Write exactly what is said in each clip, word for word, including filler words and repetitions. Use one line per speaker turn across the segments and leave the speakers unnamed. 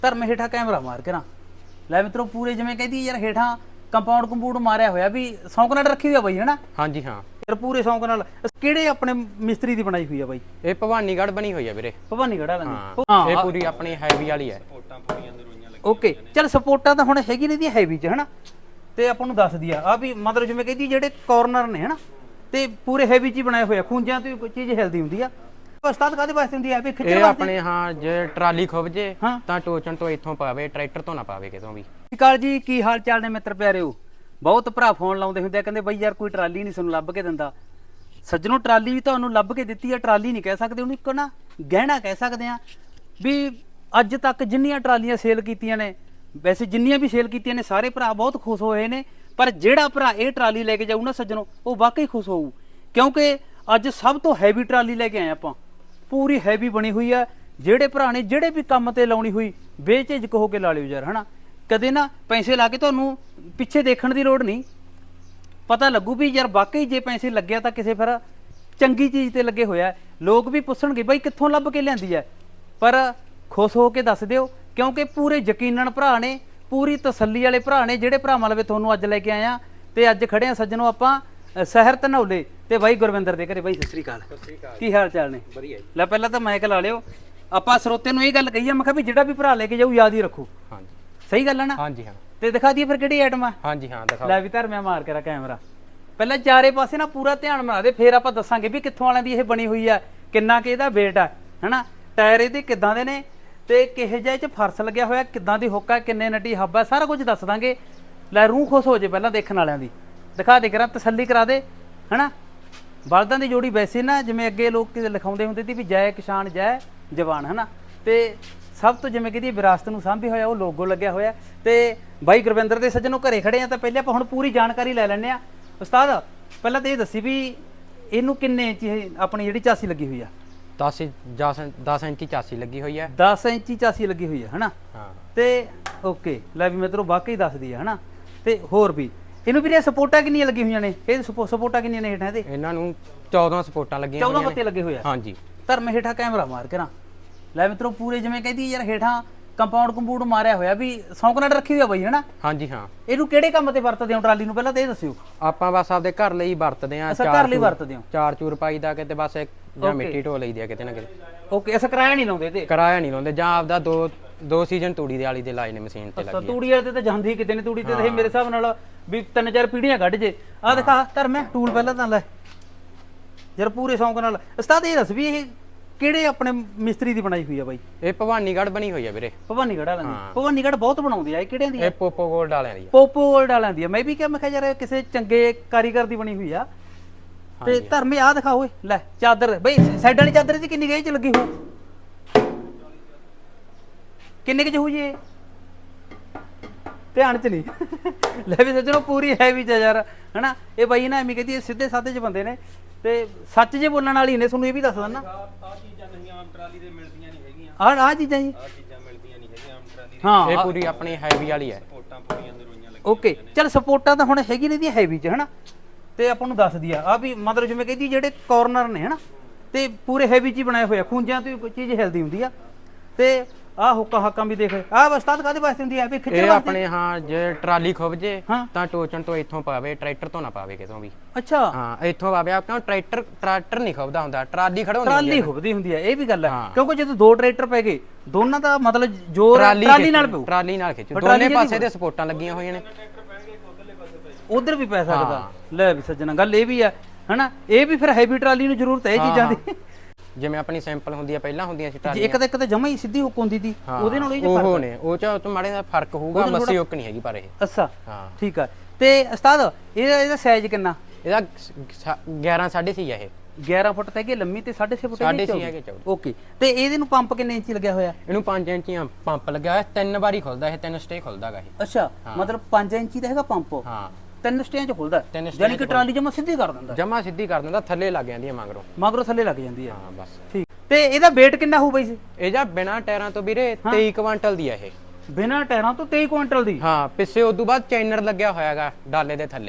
ਧਰਮ ਹੇਠਾਂ ਕੈਮਰਾ ਮਾਰ ਕੇ ਨਾ ਲੈ ਮਿੱਤਰੋ ਪੂਰੇ ਜਿਵੇਂ ਕਹਿੰਦੀ ਯਾਰ ਹੇਠਾਂ ਕੰਪਾਊਂਡ ਕੰਪੂਡ ਮਾਰਿਆ ਹੋਇਆ ਵੀ ਸੌਂਕ ਨਾਲ ਰੱਖੀ ਹੋਈ ਆ ਬਾਈ ਹਨਾ।
ਹਾਂਜੀ ਹਾਂ
ਯਾਰ ਪੂਰੇ ਸੌਂਕ ਨਾਲ ਕਿਹੜੇ ਆਪਣੇ ਮਿਸਤਰੀ ਦੀ ਬਣਾਈ ਹੋਈ ਆ ਬਾਈ?
ਇਹ ਭਵਾਨੀਗੜ੍ਹ ਬਣੀ ਹੋਈ ਆ ਵੀਰੇ।
ਭਵਾਨੀਗੜ੍ਹ ਵਾਲਿਆਂ ਦੀ
ਹਾਂ ਇਹ ਪੂਰੀ ਆਪਣੀ ਹੈਵੀ ਵਾਲੀ ਹੈ।
ਓਕੇ ਚੱਲ ਸਪੋਰਟਾਂ ਤਾਂ ਹੁਣ ਹੈਗੀ ਨੇ ਦੀ ਹੈਵੀ ਚ ਹਨਾ ਤੇ ਆਪਾਂ ਨੂੰ ਦੱਸਦੀ ਆ ਆ ਵੀ ਮਤਲਬ ਜਿਵੇਂ ਕਹਿੰਦੀ ਜਿਹੜੇ ਕਾਰਨਰ ਨੇ ਹਨਾ ਤੇ ਪੂਰੇ ਹੈਵੀ ਚ ਹੀ ਬਣਾਏ ਹੋਏ ਆ। ਖੂੰਜਾਂ ਤੋਂ ਕੋਈ ਚੀਜ਼ ਹਿਲਦੀ ਹੁੰਦੀ ਆ। ਉਸਤਾਦ ਕਾਹਦੇ ਵਾਸਤੇ ਹੁੰਦੀ ਆ ਵੀ ਖਿੱਚਣ
ਇਹ
ਵਾਸਤੇ?
ਆਪਣੇ ਹਾਂ ਜੇ ਟਰਾਲੀ ਖੁੱਭ ਜੇ
ਹਾਂ।
ਤਾਂ ਟੋਚਨ ਤੋਂ ਇੱਥੋਂ ਪਾਵੇ, ਟਰੈਕਟਰ ਤੋਂ ਨਾ ਪਾਵੇ ਕਿਤੋਂ ਵੀ।
ਸਤਿ ਸ਼੍ਰੀ ਅਕਾਲ ਜੀ, ਕੀ ਹਾਲ ਚਾਲ ਨੇ ਮਿੱਤਰ ਪਿਆਰਿਓ। ਬਹੁਤ ਭਰਾ ਫੋਨ ਲਾਉਂਦੇ ਹੁੰਦੇ ਆ ਕਹਿੰਦੇ ਬਈ ਯਾਰ ਕੋਈ ਟਰਾਲੀ ਨਹੀਂ ਸਾਨੂੰ ਲੱਭ ਕੇ ਦਿੰਦਾ। ਸੱਜਣੋਂ ਟਰਾਲੀ ਵੀ ਤੁਹਾਨੂੰ ਲੱਭ ਕੇ ਦਿੱਤੀ ਆ। ਟਰਾਲੀ ਨਹੀਂ ਕਹਿ ਸਕਦੇ ਉਹਨੂੰ, ਇੱਕ ਨਾ ਗਹਿਣਾ ਕਹਿ ਸਕਦੇ ਆ ਵੀ ਅੱਜ ਤੱਕ ਜਿੰਨੀਆਂ ਟਰਾਲੀਆਂ ਸੇਲ ਕੀਤੀਆਂ ਨੇ, ਵੈਸੇ ਜਿੰਨੀਆਂ ਵੀ ਸੇਲ ਕੀਤੀਆਂ ਨੇ ਸਾਰੇ ਭਰਾ ਬਹੁਤ ਖੁਸ਼ ਹੋਏ ਨੇ। ਪਰ ਜਿਹੜਾ ਭਰਾ ਇਹ ਟਰਾਲੀ ਲੈ ਕੇ ਜਾਊ ਨਾ ਸੱਜਣੋਂ ਉਹ ਵਾਕਈ ਖੁਸ਼ ਹੋਊ, ਕਿਉਂਕਿ ਅੱਜ ਸਭ ਤੋਂ ਹੈਵੀ ਟਰਾਲੀ ਲੈ ਕੇ ਆਏ ਆਪਾਂ। ਪੂਰੀ ਹੈਵੀ ਬਣੀ ਹੋਈ ਆ। ਜਿਹੜੇ ਭਰਾ ਨੇ ਜਿਹੜੇ ਵੀ ਕੰਮ ਤੇ ਲਾਉਣੀ ਹੋਈ ਬੇਝਿਜਕ ਹੋ ਕੇ ਲਾ ਲਿਓ ਯਾਰ ਹਨਾ। ਕਦੇ ਨਾ ਪੈਸੇ ਲਾ ਕੇ ਤੁਹਾਨੂੰ ਪਿੱਛੇ ਦੇਖਣ ਦੀ ਲੋੜ ਨਹੀਂ, ਪਤਾ ਲੱਗੂ ਵੀ ਯਾਰ ਵਾਕਈ ਜੇ ਪੈਸੇ ਲੱਗਿਆ ਤਾਂ ਕਿਸੇ ਫਿਰ ਚੰਗੀ ਚੀਜ਼ ਤੇ ਲੱਗੇ ਹੋਇਆ। ਲੋਕ ਵੀ ਪੁੱਛਣਗੇ ਬਾਈ ਕਿੱਥੋਂ ਲੱਭ ਕੇ ਲਿਆਂਦੀ ਹੈ, ਪਰ ਖੁਸ਼ ਹੋ ਕੇ ਦੱਸ ਦਿਓ ਕਿਉਂਕਿ ਪੂਰੇ ਯਕੀਨਨ ਭਰਾ ਨੇ, ਪੂਰੀ ਤਸੱਲੀ ਵਾਲੇ ਭਰਾ ਨੇ ਜਿਹੜੇ ਭਰਾਵਾਂ ਲਵੇ ਤੁਹਾਨੂੰ ਅੱਜ ਲੈ ਕੇ ਆਏ ਆ। ਤੇ ਅੱਜ ਖੜੇ ਆ ਸੱਜਣੋਂ ਆਪਾਂ ਸ਼ਹਿਰ ਧਨੌਲੇ ਤੇ ਬਾਈ ਗੁਰਵਿੰਦਰ ਦੇ ਘਰੇ। ਬਾਈ ਸਤਿ ਸ੍ਰੀ ਅਕਾਲ, ਕੀ ਹਾਲ ਚਾਲ ਨੇ?
ਵਧੀਆ ਜੀ।
ਲੈ ਪਹਿਲਾਂ ਤਾਂ ਮਾਈਕ ਲਾ ਲਿਓ। ਆਪਾਂ ਸਰੋਤੇ ਨੂੰ ਇਹ ਗੱਲ ਕਹੀ ਆ, ਮੈਂ ਕਿਹਾ ਵੀ ਜਿਹੜਾ ਵੀ ਭਰਾ ਲੈ ਕੇ ਜਾਊ ਯਾਦ ਹੀ ਰੱਖੋ।
ਹਾਂਜੀ
ਸਹੀ ਗੱਲ ਹੈ ਨਾ?
ਹਾਂਜੀ ਹਾਂ।
ਤੇ ਦਿਖਾ ਦਈਏ ਫਿਰ ਕਿਹੜੀ ਆਈਟਮ ਆ?
ਹਾਂਜੀ ਹਾਂ ਦਿਖਾਓ।
ਲੈ ਵੀ ਧਰਮਿਆ ਮਾਰ ਕੇ ਰਾ ਕੈਮਰਾ। ਪਹਿਲਾਂ ਚਾਰੇ ਪਾਸੇ ਨਾ ਪੂਰਾ ਧਿਆਨ ਬਣਾ ਦੇ, ਫਿਰ ਆਪਾਂ ਦੱਸਾਂਗੇ ਵੀ ਕਿੱਥੋਂ ਵਾਲਿਆਂ ਦੀ ਇਹ ਬਣੀ ਹੋਈ ਆ, ਕਿੰਨਾ ਕਿ ਇਹਦਾ weight ਆ ਹਨਾ, ਟਾਇਰ ਇਹਦੇ ਕਿੱਦਾਂ ਦੇ ਨੇ ਤੇ ਕਿਹੇ ਜਿਹੇ ਚ ਫਰਸ਼ ਲੱਗਿਆ ਹੋਇਆ, ਕਿੱਦਾਂ ਦੀ ਹੁੱਕ ਆ, ਕਿੰਨੇ ਨਟੀ ਹੱਬ ਆ, ਸਾਰਾ ਕੁਝ ਦੱਸ ਦਾਂਗੇ। ਲੈ ਰੂਹ ਖੁਸ਼ ਹੋ ਜੇ ਪਹਿਲਾਂ ਦੇਖਣ ਵਾਲਿਆਂ ਦੀ। ਦਿਖਾ ਦੇ ਕਰਾਂ, ਤਸੱਲੀ ਕਰਾ ਦੇ ਹਨਾ। ਬਲਦਾਂ ਦੀ ਜੋੜੀ ਵੈਸੇ ਨਾ ਜਿਵੇਂ ਅੱਗੇ ਲੋਕ ਲਿਖਾਉਂਦੇ ਹੁੰਦੇ ਸੀ ਵੀ ਜੈ ਕਿਸਾਨ ਜੈ ਜਵਾਨ ਹਨਾ, ਤੇ ਸਭ ਤੋਂ ਜਿਵੇਂ ਕਿ ਵਿਰਾਸਤ ਨੂੰ ਸਾਂਭੀ ਹੋਇਆ ਉਹ ਲੋਗੋ ਲੱਗਿਆ ਹੋਇਆ। ਤੇ ਬਾਈ ਗੁਰਵਿੰਦਰ ਦੇ ਸੱਜਣੋਂ ਘਰੇ ਖੜੇ ਆ ਤਾਂ ਪਹਿਲੇ ਆਪਾਂ ਹੁਣ ਪੂਰੀ ਜਾਣਕਾਰੀ ਲੈ ਲੈਂਦੇ ਆ। ਉਸਤਾਦ ਪਹਿਲਾਂ ਤਾਂ ਇਹ ਦੱਸੀ ਵੀ ਇਹਨੂੰ ਕਿੰਨੇ ਇੰਚ ਆਪਣੀ ਜਿਹੜੀ ਚਾਸੀ ਲੱਗੀ ਹੋਈ ਆ?
ਦਸ ਦਸ ਇੰਚੀ ਚਾਸੀ ਲੱਗੀ ਹੋਈ ਹੈ।
ਦਸ ਇੰਚੀ ਚਾਸੀ ਲੱਗੀ ਹੋਈ ਆ ਹਨਾ।
ਹਾਂ
ਤੇ ਓਕੇ ਲੈ ਵੀ ਮਿੱਤਰੋ ਵਾਕਈ ਦੱਸਦੀ ਆ ਹਨਾ। ਤੇ ਹੋਰ ਵੀ ਇਹਨੂੰ ਵੀਰੇ ਸਪੋਰਟਾਂ ਕਿੰਨੀਆਂ ਲੱਗੀਆਂ ਹੋਈਆਂ ਨੇ? ਇਹ ਸਪੋਰਟਾਂ ਕਿੰਨੀਆਂ ਨੇ ਹੇਠਾਂ ਇਹਦੇ?
ਇਹਨਾਂ ਨੂੰ ਚੌਦਾਂ ਸਪੋਰਟਾਂ ਲੱਗੀਆਂ
ਚੌਦਾਂ ਪੱਤੇ ਲੱਗੇ ਹੋਏ ਆ।
ਹਾਂਜੀ
ਧਰਮ ਹੇਠਾਂ ਕੈਮਰਾ ਮਾਰ ਕੇ ਨਾ ਲੈ ਮਿੱਤਰੋ ਪੂਰੇ ਜਿਵੇਂ ਕਹਿੰਦੀ ਯਾਰ ਹੇਠਾਂ ਕੰਪਾਊਂਡ ਕੰਪੂਡ ਮਾਰਿਆ ਹੋਇਆ ਵੀ ਸੌਂਕ ਨਾਲ ਰੱਖੀ ਹੋਈ ਆ ਬਾਈ ਹਨਾ।
ਹਾਂਜੀ ਹਾਂ।
ਇਹਨੂੰ ਕਿਹੜੇ ਕੰਮ ਤੇ ਵਰਤਦੇ ਹੋ ਟਰਾਲੀ ਨੂੰ ਪਹਿਲਾਂ ਤਾਂ ਇਹ ਦੱਸਿਓ।
ਆਪਾਂ ਬਸ ਆਪਦੇ ਘਰ ਲਈ ਵਰਤਦੇ ਆ।
ਅੱਛਾ ਘਰ ਲਈ ਵਰਤਦੇ ਹੋ।
ਚਾਰ ਚੂਰ ਪਾਈ ਦਾ ਕਿਤੇ ਬਸ ਇੱਕ ਜਾਂ ਮਿੱਟੀ ਢੋ ਲਈਦੀ ਆ ਕਿਤੇ ਨਾ ਕਿਤੇ।
ਓਕੇ ਅਸਾਂ ਕਿਰਾਇਆ ਨਹੀਂ ਲਾਉਂਦੇ ਤੇ?
ਕਿਰਾਇਆ ਨਹੀਂ ਲਾਉਂਦੇ, ਜਾਂ ਆਪਦਾ ਦੋ ਦੋ ਸੀਜ਼ਨ ਤੂੜੀ ਦੇ ਵਾਲੀ ਦੇ ਲਾਏ ਨੇ ਮਸ਼ੀਨ ਤੇ ਲੱਗੀ।
ਤੂੜੀ ਵਾਲੇ ਤੇ ਤਾਂ ਜਾਂਦੀ ਕਿਤੇ ਨੇ, ਤੂੜੀ ਤੇ ਇਹ ਮੇਰੇ ਹਿਸਾਬ ਨਾਲ ਵੀ ਤਿੰਨ ਚਾਰ ਪੀੜੀਆਂ ਕੱਢ ਜੇ। ਆਹ ਦਿਖਾ ਧਰਮੇ ਟੂਲ ਪਹਿਲਾਂ ਤਾਂ ਲੈ ਯਾਰ ਪੂਰੇ ਸ਼ੌਂਕ ਨਾਲ। ਉਸਤਾਦ ਇਹ ਦੱਸ ਵੀ ਇਹ ਕਿਹੜੇ ਆਪਣੇ ਮਿਸਤਰੀ ਦੀ ਬਣਾਈ ਹੋਈ ਆ ਬਾਈ?
ਇਹ ਭਵਾਨੀਗੜ੍ਹ ਬਣੀ ਹੋਈ ਆ ਵੀਰੇ।
ਭਵਾਨੀਗੜ੍ਹ ਵਾਲਿਆਂ ਦੀ? ਭਵਾਨੀਗੜ੍ਹ ਬਹੁਤ ਬਣਾਉਂਦੇ ਆ। ਇਹ ਕਿਹੜਿਆਂ ਦੀ ਆ?
ਇਹ ਪੋਪੋ ਗੋਲਡ ਵਾਲਿਆਂ ਦੀ ਆ।
ਪੋਪੋ ਗੋਲਡ ਵਾਲਿਆਂ ਦੀ ਆ। ਮੈਂ ਵੀ ਕਿਹਾ ਮੈਂ ਕਿਹਾ ਯਾਰ ਕਿਸੇ ਚੰਗੇ ਕਾਰੀਗਰ ਦੀ ਬਣੀ ਹੋਈ ਆ। ਤੇ ਧਰਮੇ ਆ ਦਿਖਾ ਓਏ ਲੈ ਚਾਦਰ ਬਈ ਸਾਈਡ ਵਾਲੀ ਚਾਦਰ ਦੀ ਕਿੰਨੀ ਗੇਜ ਚ ਲੱਗੀ ਹੋ? ਕਿੰਨੇ ਕੁ ਚ ਹੋ ਜੀ ਇਹ? ਧਿਆਨ ਚ ਨਹੀਂ ਲੈ ਵੀ ਸੱਜਣੋ ਪੂਰੀ ਹੈਵੀ ਚ ਯਾਰ ਹਨਾ। ਇਹ ਬਾਈ ਨਾ ਐਵੇਂ ਕਹਿੰਦੀ ਸਿੱਧੇ ਸਾਦੇ ਚ ਬੰਦੇ ਨੇ ਤੇ ਸੱਚ ਜੇ ਬੋਲਣ ਵਾਲੀ ਨੇ। ਤੁਹਾਨੂੰ ਇਹ ਵੀ ਦੱਸ ਦਿੰਦਾ ਆਹ ਚੀਜ਼ਾਂ ਨਹੀਂ ਆਮ ਟਰਾਲੀ ਦੇ ਮਿਲਦੀਆਂ ਨਹੀਂ ਹੈਗੀਆਂ। ਆਹ ਆਹ ਚੀਜ਼ਾਂ ਜੀ ਆਹ ਚੀਜ਼ਾਂ ਮਿਲਦੀਆਂ ਨਹੀਂ ਹੈਗੀਆਂ ਆਮ ਟਰਾਲੀ ਦੇ। ਹਾਂ
ਇਹ ਪੂਰੀ ਆਪਣੀ ਹੈਵੀ ਵਾਲੀ ਹੈ।
ਸਪੋਰਟਾਂ ਪੂਰੀਆਂ ਨਰੋਈਆਂ ਲੱਗੀਆਂ। ਓਕੇ ਚੱਲ ਸਪੋਰਟਾਂ ਤਾਂ ਹੁਣ ਹੈਗੀ ਨੇ ਦੀ ਹੈਵੀ ਚ ਹਨਾ। ਤੇ ਆਪਾਂ ਨੂੰ ਦੱਸਦੀ ਆ ਆ ਵੀ ਮਤਲਬ ਜਿਵੇਂ ਕਹਿੰਦੀ ਜਿਹੜੇ ਕਾਰਨਰ ਨੇ ਹਨਾ ਤੇ ਪੂਰੇ ਹੈਵੀ ਚ ਹੀ ਬਣਾਏ ਹੋਏ ਆ। ਖੂੰਜਾਂ ਤੋਂ ਕੋਈ ਚੀਜ਼ ਹਿਲਦੀ ਹੁੰਦੀ ਆ। ਤੇ ਆਹ ਹੁੱਕਾਂ ਹੱਕਾਂ ਵੀ ਦੇਖ ਆਹ ਉਸਤਾਦ ਕਾਹਦੇ ਵਾਸਤੇ ਹੁੰਦੀ ਆ ਵੀ ਖਿੱਚਣ
ਇਹ
ਵਾਸਤੇ?
ਆਪਣੇ ਹਾਂ ਜੇ ਟਰਾਲੀ ਖੁੱਭ ਜੇ
ਹਾਂ।
ਤਾਂ ਟੋਚਨ ਤੋਂ ਇੱਥੋਂ ਪਾਵੇ, ਟਰੈਕਟਰ ਤੋਂ ਨਾ ਪਾਵੇ ਕਿਤੋਂ ਵੀ।
ਅੱਛਾ
ਹਾਂ ਇੱਥੋਂ ਪਾਵੇ। ਕਿਉਂ ਟਰੈਕਟਰ ਟਰੈਕਟਰ ਨਹੀਂ ਖੁੱਭਦਾ ਹੁੰਦਾ, ਟਰਾਲੀ ਖੜਾਉਂਦੀ
ਟਰਾਲੀ ਖੁੱਬਦੀ ਹੁੰਦੀ ਆ। ਇਹ ਵੀ ਗੱਲ ਹੈ ਕਿਉਂਕਿ ਜਦੋਂ ਦੋ ਟਰੈਕਟਰ ਪੈ ਗਏ ਦੋਨਾਂ ਦਾ ਮਤਲਬ ਜ਼ੋਰ ਟਰਾਲੀ ਨਾਲ ਪਊ।
ਟਰਾਲੀ ਨਾਲ ਖਿੱਚੂ। ਦੋਨੇ ਪਾਸੇ ਦੇ ਸਪੋਰਟਾਂ ਲੱਗੀਆਂ ਹੋਈਆਂ ਨੇ।
ਉਧਰ ਵੀ ਪੈ ਸਕਦਾ। ਲੈ ਵੀ ਸੱਜਣਾ ਗੱਲ ਇਹ ਵੀ ਆ ਹਨਾ। ਇਹ ਵੀ ਫਿਰ ਹੈਵੀ ਟਰਾਲੀ ਨੂੰ ਜ਼ਰੂਰਤ ਹੈ ਇਹ ਚੀਜ਼ਾਂ ਦੀ।
ਜਿਵੇਂ ਆਪਣੀ ਸਿੰਪਲ ਹੁੰਦੀ ਆ ਪਹਿਲਾਂ ਹੁੰਦੀਆਂ ਸੀ
ਟਰਾਲੀ, ਇੱਕ ਤਾਂ ਇੱਕ ਤਾਂ ਜਮਾ ਹੀ ਸਿੱਧੀ ਹੁੱਕ ਹੁੰਦੀ ਸੀ। ਉਹਦੇ ਨਾਲ ਇਹ
ਉਹ ਨੇ ਉਹ ਚ ਤੋਂ ਮਾੜੇ ਦਾ ਫਰਕ ਹੋਊਗਾ। ਮੱਸੀ ਹੁੱਕ ਨਹੀਂ ਹੈਗੀ ਪਰ ਇਹ।
ਅੱਛਾ ਹਾਂ ਠੀਕ ਆ। ਤੇ ਉਸਤਾਦ ਇਹਦਾ ਇਹਦਾ ਸਾਈਜ਼ ਕਿੰਨਾ?
ਇਹਦਾ ਗਿਆਰਾਂ ਸਾਢੇ ਛੇ ਆ। ਇਹ ਗਿਆਰਾਂ
ਫੁੱਟ ਤੇ ਕਿ ਲੰਮੀ ਤੇ ਸਾਢੇ ਛੇ ਫੁੱਟ
ਸਾਢੇ ਛੇ ਹੈਗੇ ਚੌੜੀ।
ਓਕੇ ਤੇ ਇਹਦੇ ਨੂੰ ਪੰਪ ਕਿੰਨੇ ਇੰਚੀ ਲੱਗਿਆ ਹੋਇਆ?
ਇਹਨੂੰ ਪੰਜ ਇੰਚੀ ਪੰਪ ਲੱਗਿਆ ਹੋਇਆ। ਤਿੰਨ ਵਾਰੀ ਖੁੱਲਦਾ ਇਹ, ਤਿੰਨ ਸਟੇ ਖੁੱਲਦਾਗਾ ਇਹ।
ਅੱਛਾ ਮਤਲਬ ਪੰਜ ਇੰਚੀ ਦਾ ਹੈਗਾ ਪੰਪ?
ਹਾਂ
ਤਿੰਨ ਸਟਿਆਂ ਚ ਖੁੱਲਦਾ ਯਾਨੀ ਕਿ ਟਰਾਲੀ ਜਮਾ ਸਿੱਧੀ ਕਰ ਦਿੰਦਾ।
ਜਮਾ ਸਿੱਧੀ ਕਰ ਦਿੰਦਾ, ਥੱਲੇ ਲੱਗ ਜਾਂਦੀ ਹੈ ਮਗਰੋਂ।
ਮਗਰੋਂ ਥੱਲੇ ਲੱਗ ਜਾਂਦੀ ਹੈ।
ਹਾਂ ਬਸ
ਠੀਕ। ਤੇ ਇਹਦਾ weight ਕਿੰਨਾ ਹੋਊ ਬਾਈ?
ਇਹ ਜਾਂ ਬਿਨਾ ਟਾਇਰਾਂ ਤੋਂ ਵੀਰੇ ਤੇਈ ਕੁਇੰਟਲ ਦੀ ਆ ਇਹ।
ਬਿਨਾ ਟਾਇਰਾਂ ਤੋਂ ਤੇਈ ਕੁਇੰਟਲ ਦੀ?
ਹਾਂ ਪਿੱਛੇ ਉਦੋਂ ਬਾਅਦ ਚੈਨਰ ਲੱਗਿਆ ਹੋਇਆਗਾ ਡਾਲੇ ਦੇ ਥੱਲੇ।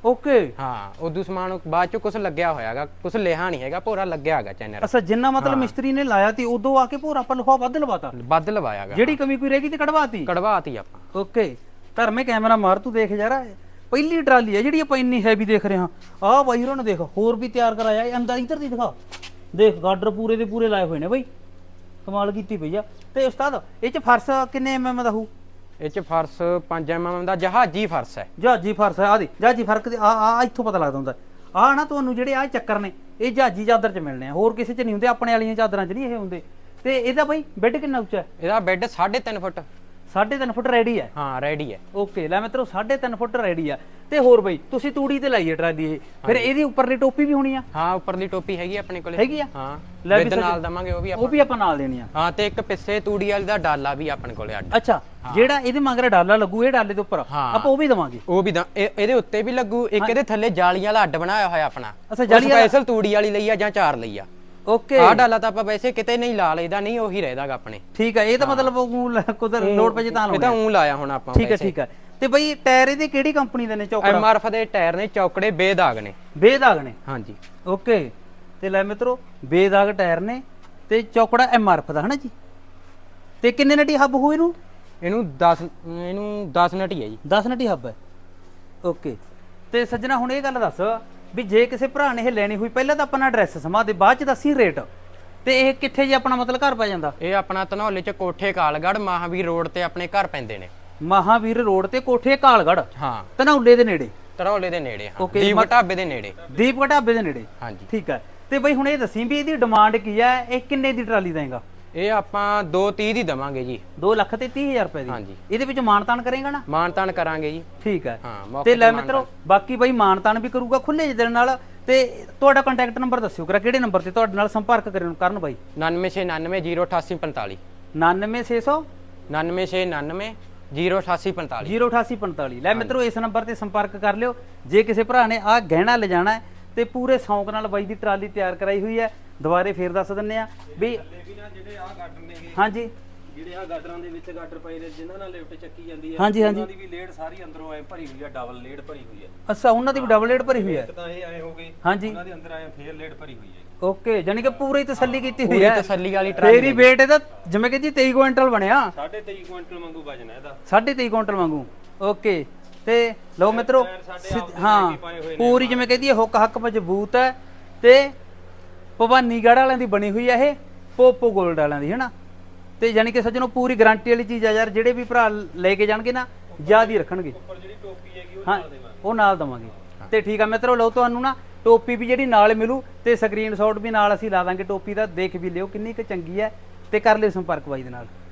ਓਕੇ
ਹਾਂ ਉਦੋਂ ਸਮਾਨ ਬਾਅਦ ਚ ਕੁਝ ਲੱਗਿਆ ਹੋਇਆਗਾ, ਕੁਝ ਲਿਆ ਨਹੀਂ ਹੈਗਾ, ਭੋਰਾ ਲੱਗਿਆ ਹੈਗਾ ਚੈਨਲ।
ਅੱਛਾ ਜਿੰਨਾ ਮਤਲਬ ਮਿਸਤਰੀ ਨੇ ਲਾਇਆ ਤੀ ਉਦੋਂ ਆ ਕੇ ਭੋਰਾ ਆਪਾਂ ਲਿਖਾ ਵੱਧ ਲਵਾਤਾ,
ਵੱਧ ਲਵਾਇਆਗਾ,
ਜਿਹੜੀ ਕਮੀ ਕੋਈ ਰਹਿ ਗਈ ਤੇ ਕਢਵਾਤੀ।
ਕਢਵਾਤੀ ਆਪਾਂ।
ਓਕੇ ਧਰਮੇ ਕੈਮਰਾ ਮਾਰ ਤੂੰ ਦੇਖ ਯਾਰ, ਪਹਿਲੀ ਟਰਾਲੀ ਹੈ ਜਿਹੜੀ ਆਪਾਂ ਇੰਨੀ ਹੈਵੀ ਦੇਖ ਰਹੇ ਹਾਂ। ਆਹ ਬਾਈ ਹੋਰਾਂ ਨੇ ਦੇਖ ਹੋਰ ਵੀ ਤਿਆਰ ਕਰਾਇਆ, ਇਹ ਅੰਦਰ ਇੱਧਰ ਦੀ ਦਿਖਾ, ਦੇਖ ਗਾਡਰ ਪੂਰੇ ਦੇ ਪੂਰੇ ਲਾਏ ਹੋਏ ਨੇ ਬਈ, ਕਮਾਲ ਕੀਤੀ ਪਈ ਆ। ਤੇ ਉਸਤਾਦ ਇਹ ਚ ਫਰਸ਼ ਕਿੰਨੇ ਐਮਐਮ ਦਾ ਹੋਊ?
ਇਹ ਚ ਫਰਸ਼ ਪੰਜ ਐਮ ਐਮ ਦਾ ਜਹਾਜੀ ਫਰਸ਼ ਹੈ।
ਜਹਾਜੀ ਫਰਸ਼ ਹੈ, ਆਦੀ ਜਹਾਜੀ ਫਰਕ ਆ ਆ ਇੱਥੋਂ ਪਤਾ ਲੱਗਦਾ ਹੁੰਦਾ। ਆਹ ਨਾ ਤੁਹਾਨੂੰ ਜਿਹੜੇ ਆਹ ਚੱਕਰ ਨੇ ਇਹ ਜਹਾਜੀ ਚਾਦਰ ਚ ਮਿਲਣੇ ਆ, ਹੋਰ ਕਿਸੇ ਚ ਨਹੀਂ ਹੁੰਦੇ, ਆਪਣੇ ਵਾਲੀਆਂ ਚਾਦਰਾਂ ਚ ਨਹੀਂ ਇਹ ਹੁੰਦੇ। ਤੇ ਇਹਦਾ ਬਈ ਬੈੱਡ ਕਿੰਨਾ ਉੱਚਾ ਹੈ?
ਇਹਦਾ ਬੈੱਡ ਸਾਢੇ ਤਿੰਨ ਫੁੱਟ।
ਸਾਢੇ ਤਿੰਨ ਫੁੱਟ ਰੈਡੀ ਹੈ?
ਹਾਂ ਰੈਡੀ ਹੈ।
ਓਕੇ ਲੈ ਮਿੱਤਰੋ ਸਾਢੇ ਤਿੰਨ ਫੁੱਟ ਰੈਡੀ ਆ। ਤੇ ਹੋਰ ਬਈ ਤੁਸੀਂ ਤੂੜੀ ਤੇ ਲਾਈਏ ਟਰਾਲੀ ਇਹ, ਫਿਰ ਇਹਦੀ ਉੱਪਰਲੀ ਟੋਪੀ ਵੀ ਹੋਣੀ ਆ?
ਹਾਂ ਉੱਪਰਲੀ ਟੋਪੀ ਹੈਗੀ ਆਪਣੇ ਕੋਲੇ।
ਹੈਗੀ ਆ?
ਹਾਂ
ਲੈ ਵੀ
ਵਿਦ ਨਾਲ ਦਵਾਂਗੇ ਉਹ ਵੀ
ਉਹ
ਆਪਾਂ।
ਵੀ ਆਪਾਂ ਨਾਲ ਦੇਣੀ ਆ।
ਹਾਂ ਤੇ ਇੱਕ ਪਿੱਛੇ ਤੂੜੀ ਵਾਲੀ ਦਾ ਡਾਲਾ ਵੀ ਆਪਣੇ ਕੋਲੇ ਅੱਡ।
ਅੱਛਾ ਜਿਹੜਾ ਇਹਦੇ ਮਗਰ ਡਾਲਾ ਲੱਗੂ ਇਹ ਡਾਲੇ ਦੇ ਉੱਪਰ
ਹਾਂ।
ਆਪਾਂ ਉਹ ਵੀ ਦਵਾਂਗੇ?
ਉਹ ਵੀ ਦਾ ਇਹ- ਇਹਦੇ ਉੱਤੇ ਵੀ ਲੱਗੂ, ਇੱਕ ਇਹਦੇ ਥੱਲੇ ਜਾਲੀ ਵਾਲਾ ਅੱਡ ਬਣਾਇਆ ਹੋਇਆ ਆਪਣਾ।
ਅੱਛਾ ਜਾਲੀ ਵਾਲਾ
ਸਪੈਸ਼ਲ ਤੂੜੀ ਵਾਲੀ ਲਈ ਆ ਜਾਂ ਚਾਰ ਲਈ ਆ।
ਓਕੇ
ਆਹ ਡਾਲਾ ਤਾਂ ਆਪਾਂ ਵੈਸੇ ਕਿਤੇ ਨਹੀਂ ਲਾ ਲਈਦਾ, ਨਹੀਂ ਉਹੀ ਰਹਿਦਾਗਾ ਆਪਣੇ।
ਠੀਕ ਹੈ, ਇਹ ਤਾਂ ਮਤਲਬ ਉਹ ਕੁਦਰ ਲੋਡ ਪੈ ਜੇ ਤਾਂ
ਇਹ
ਲਾਉਣਾ।
ਤਾਂ ਉਂ ਲਾਇਆ ਹੁਣ ਆਪਾਂ।
ਠੀਕ ਹੈ ਠੀਕ ਹੈ। ਤੇ ਬਈ ਟਾਇਰ ਇਹਦੇ ਕਿਹੜੀ ਕੰਪਨੀ ਦੇ ਨੇ? ਚੌਕੜਾ
ਐਮ ਆਰ ਐਫ ਦੇ ਟਾਇਰ ਨੇ, ਚੌਕੜੇ ਬੇਦਾਗ ਨੇ।
ਬੇਦਾਗ ਨੇ?
ਹਾਂਜੀ
ਓਕੇ ਤੇ ਲੈ ਮਿੱਤਰੋ ਬੇਦਾਗ ਟਾਇਰ ਨੇ ਤੇ ਚੌਕੜਾ ਐਮ ਆਰ ਐਫ ਦਾ ਹਨਾ ਜੀ। ਤੇ ਕਿੰਨੇ ਨਟੀ ਹੱਬ ਹੋ ਇਹਨੂੰ?
ਇਹਨੂੰ ਦਸ ਇਹਨੂੰ ਦਸ ਨਟੀ ਹੈ ਜੀ।
ਦਸ ਨਟੀ ਹੱਬ ਹੈ। ਓਕੇ ਤੇ ਸੱਜਣਾ ਹੁਣ ਇਹ ਗੱਲ ਦੱਸ ਵੀ ਜੇ ਕਿਸੇ ਭਰਾ ਨੇ ਇਹ ਲੈਣੀ ਹੋਈ, ਪਹਿਲਾਂ ਤਾਂ ਆਪਣਾ ਐਡਰੈਸ ਸਮਾ ਦੇ, ਬਾਅਦ ਚ ਦੱਸੀ ਰੇਟ। ਤੇ ਇਹ ਕਿੱਥੇ ਜੇ ਆਪਣਾ ਮਤਲਬ ਘਰ ਪੈ ਜਾਂਦਾ?
ਇਹ ਆਪਣਾ ਧਨੌਲੇ ਚ ਕੋਠੇ ਕਾਲਗੜ੍ਹ ਮਹਾਵੀਰ ਰੋਡ ਤੇ ਆਪਣੇ ਘਰ ਪੈਂਦੇ ਨੇ।
ਮਹਾਵੀਰ ਰੋਡ ਤੇ ਕੋਠੇ ਕਾਲਗੜ੍ਹ
ਹਾਂ
ਧਨੌਲੇ ਦੇ ਨੇੜੇ?
ਧਨੌਲੇ ਦੇ ਨੇੜੇ। ਹਾਂ
Okay,
ਦੀਪ
ਮਤ-
ਢਾਬੇ ਦੇ ਨੇੜੇ।
ਦੀਪ ਢਾਬੇ ਦੇ ਨੇੜੇ?
ਹਾਂਜੀ
ਠੀਕ ਹੈ। ਤੇ ਬਈ ਹੁਣ ਇਹ ਦੱਸੀ ਵੀ ਇਹਦੀ ਡਿਮਾਂਡ ਕੀ ਹੈ, ਇਹ ਕਿੰਨੇ ਦੀ ਟਰਾਲੀ ਦੇਂਗਾ?
ਇਹ ਆਪਾਂ ਦੋ ਤੀਹ ਦੀ ਦਵਾਂਗੇ ਜੀ।
ਦੋ ਲੱਖ ਤੇ ਤੀਹ ਹਜ਼ਾਰ ਰੁਪਏ ਦੀ?
ਹਾਂਜੀ।
ਇਹਦੇ ਵਿੱਚ ਮਾਨਤਾਨ ਕਰੇਗਾ ਨਾ?
ਮਾਨਤਾਨ ਕਰਾਂਗੇ ਜੀ।
ਠੀਕ ਹੈ।
ਹਾਂ ਮੌਕੇ
ਤੇ ਲੈ
ਮਾਨ
ਮਿੱਤਰੋ ਬਾਕੀ ਬਈ ਮਾਨਤਾਨ ਵੀ ਕਰੂਗਾ ਖੁੱਲੇ ਜਿਹੇ ਦਿਨ ਨਾਲ। ਤੇ ਤੁਹਾਡਾ ਕੰਟੈਕਟ ਨੰਬਰ ਦੱਸਿਓ ਕਰਾ, ਕਿਹੜੇ ਨੰਬਰ ਤੇ ਤੁਹਾਡੇ ਨਾਲ ਸੰਪਰਕ ਕਰਨ ਕਰਨ ਬਾਈ?
ਨਾਨਵੇਂ ਛੇ ਨਾਨਵੇਂ ਜ਼ੀਰੋ ਅਠਾਸੀ ਪੰਤਾਲੀ।
ਨਾਨਵੇਂ ਛੇ ਸੌ
ਨਾਨਵੇਂ ਛੇ ਨਾਨਵੇਂ ਜ਼ੀਰੋ ਅਠਾਸੀ ਪੰਤਾਲੀ।
ਜ਼ੀਰੋ ਅਠਾਸੀ ਪੰਤਾਲੀ। ਲੈ ਮਿੱਤਰੋ ਇਸ ਨੰਬਰ ਤੇ ਸੰਪਰਕ ਕਰ ਲਿਓ ਜੇ ਕਿਸੇ ਭਰਾ ਨੇ ਆਹ ਗਹਿਣਾ ਲਿਜਾਣਾ ਹੈ। ਤੇ ਪੂਰੇ ਸ਼ੌਂਕ ਨਾਲ ਬਾਈ ਦੀ ਟਰਾਲੀ ਤਿਆਰ ਕਰਾਈ ਹੋਈ ਹੈ। ਦੁਬਾਰੇ ਫੇਰ ਦੱਸ ਦਿੰਨੇ ਆ ਵੀ
ਜਿਹੜੇ ਆ ਗਾਡਰ ਨੇਗੇ,
ਹਾਂਜੀ
ਜਿਹੜੇ ਆ ਗਾਡਰਾਂ ਦੇ ਵਿੱਚ ਗਾਡਰ ਪਏ ਨੇ ਜਿਨ੍ਹਾਂ ਨਾਲ ਲਿਫਟ ਚੱਕੀ ਜਾਂਦੀ ਹੈ,
ਹਾਂਜੀ, ਹਾਂਜੀ।
ਉਹਨਾਂ ਦੀ ਵੀ ਲੇਡ ਸਾਰੀ ਅੰਦਰੋਂ ਐ ਭਰੀ ਹੋਈ ਆ, ਡਬਲ ਲੇਡ ਭਰੀ ਹੋਈ ਹੈ।
ਅੱਛਾ ਉਹਨਾਂ ਦੀ ਵੀ ਡਬਲ ਲੇਡ ਭਰੀ ਹੋਈ ਹੈ?
ਇੱਕ ਤਾਂ ਇਹ ਐ ਹੋ ਗਈ,
ਹਾਂਜੀ
ਉਹਨਾਂ ਦੇ ਅੰਦਰ ਐ ਫੇਰ ਲੇਡ ਭਰੀ ਹੋਈ ਹੈ।
ਓਕੇ ਜਾਨੀ ਕਿ ਪੂਰੀ ਤਸੱਲੀ ਕੀਤੀ ਹੋਈ
ਪੂਰੀ
ਹੈ?
ਤਸੱਲੀ ਵਾਲੀ ਟਰਾਲੀ
ਤੇਰੀ weight ਇਹਦਾ ਜਿਵੇਂ ਕਿ ਜੀ ਤੇਈ ਕੁਇੰਟਲ ਬਣਿਆ।
ਸਾਢੇ ਤੇਈ ਕੁਇੰਟਲ ਵਾਂਗੂ ਵਜਨ ਹੈ ਇਹਦਾ।
ਸਾਢੇ ਤੇਈ ਕੁਇੰਟਲ ਵਾਂਗੂ। ਓਕੇ ਤੇ ਲਓ ਮਿੱਤਰੋ ਸਿੱਧ- ਹਾਂ ਪੂਰੀ ਜਿਵੇਂ ਕਹਿੰਦੀ ਹੈ ਹੁੱਕ ਹੱਕ ਮਜ਼ਬੂਤ ਹੈ। ਤੇ ਭਵਾਨੀਗੜ੍ਹ ਵਾਲਿਆਂ ਦੀ ਬਣੀ ਹੋਈ ਹੈ ਇਹ, ਪੋਪੋ ਗੋਲਡ ਵਾਲਿਆਂ ਦੀ ਹੈਨਾ। ਤੇ ਯਾਨੀ ਕਿ ਸੱਜਣੋ ਪੂਰੀ ਗਾਰੰਟੀ ਵਾਲੀ ਚੀਜ਼ ਆ ਯਾਰ, ਜਿਹੜੇ ਵੀ ਭਰਾ ਲੈ ਕੇ ਜਾਣਗੇ ਨਾ ਯਾਦ ਹੀ ਰੱਖਣਗੇ।
ਉੱਪਰ ਜਿਹੜੀ ਟੋਪੀ ਹੈਗੀ ਉਹ
ਹਾਂ
ਨਾਲ ਦੇਵਾਂਗੇ।
ਉਹ ਨਾਲ ਦਵਾਂਗੇ। ਤੇ ਠੀਕ ਆ ਮਿੱਤਰੋ ਲਓ ਤੁਹਾਨੂੰ ਨਾ ਟੋਪੀ ਵੀ ਜਿਹੜੀ ਨਾਲ ਮਿਲੂ ਤੇ ਸਕਰੀਨਸ਼ਾਟ ਵੀ ਨਾਲ ਅਸੀਂ ਲਾ ਦਾਂਗੇ ਟੋਪੀ ਦਾ, ਦੇਖ ਵੀ ਲਿਓ ਕਿੰਨੀ ਕੁ ਚੰਗੀ ਹੈ। ਤੇ ਕਰ ਲਿਓ ਸੰਪਰਕ ਬਾਈ ਦੇ ਨਾਲ।